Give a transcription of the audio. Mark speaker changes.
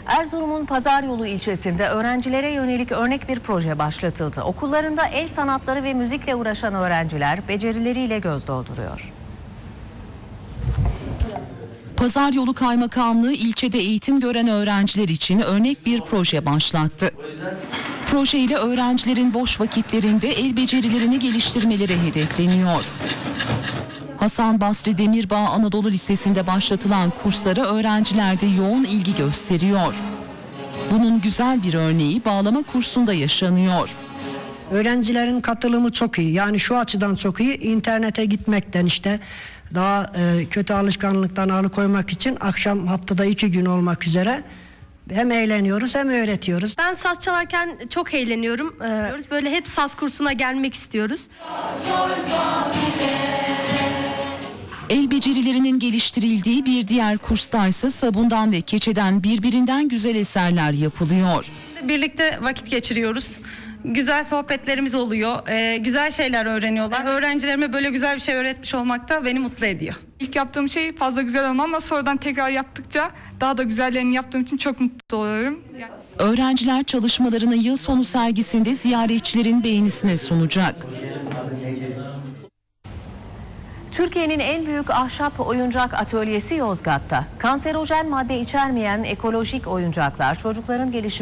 Speaker 1: Erzurum'un Pazaryolu ilçesinde öğrencilere yönelik örnek bir proje başlatıldı. Okullarında el sanatları ve müzikle uğraşan öğrenciler becerileriyle göz dolduruyor.
Speaker 2: Pazaryolu Kaymakamlığı ilçede eğitim gören öğrenciler için örnek bir proje başlattı. Projeyle öğrencilerin boş vakitlerinde el becerilerini geliştirmeleri hedefleniyor. Hasan Basri Demirbağ Anadolu Lisesi'nde başlatılan kurslara öğrenciler de yoğun ilgi gösteriyor. Bunun güzel bir örneği bağlama kursunda yaşanıyor.
Speaker 3: Öğrencilerin katılımı çok iyi. Yani şu açıdan çok iyi. İnternete gitmekten daha kötü alışkanlıktan alıkoymak için akşam haftada 2 gün olmak üzere hem eğleniyoruz hem öğretiyoruz.
Speaker 4: Ben saz çalarken çok eğleniyorum. Böyle hep saz kursuna gelmek istiyoruz.
Speaker 2: El becerilerinin geliştirildiği bir diğer kurstaysa sabundan ve keçeden birbirinden güzel eserler yapılıyor.
Speaker 5: Birlikte vakit geçiriyoruz. Güzel sohbetlerimiz oluyor. Güzel şeyler öğreniyorlar. Öğrencilerime böyle güzel bir şey öğretmiş olmak da beni mutlu ediyor.
Speaker 6: İlk yaptığım şey fazla güzel olmam ama sonradan tekrar yaptıkça daha da güzellerini yaptığım için çok mutlu oluyorum.
Speaker 2: Öğrenciler çalışmalarını yıl sonu sergisinde ziyaretçilerin beğenisine sunacak.
Speaker 1: Türkiye'nin en büyük ahşap oyuncak atölyesi Yozgat'ta. Kanserojen madde içermeyen ekolojik oyuncaklar çocukların gelişimine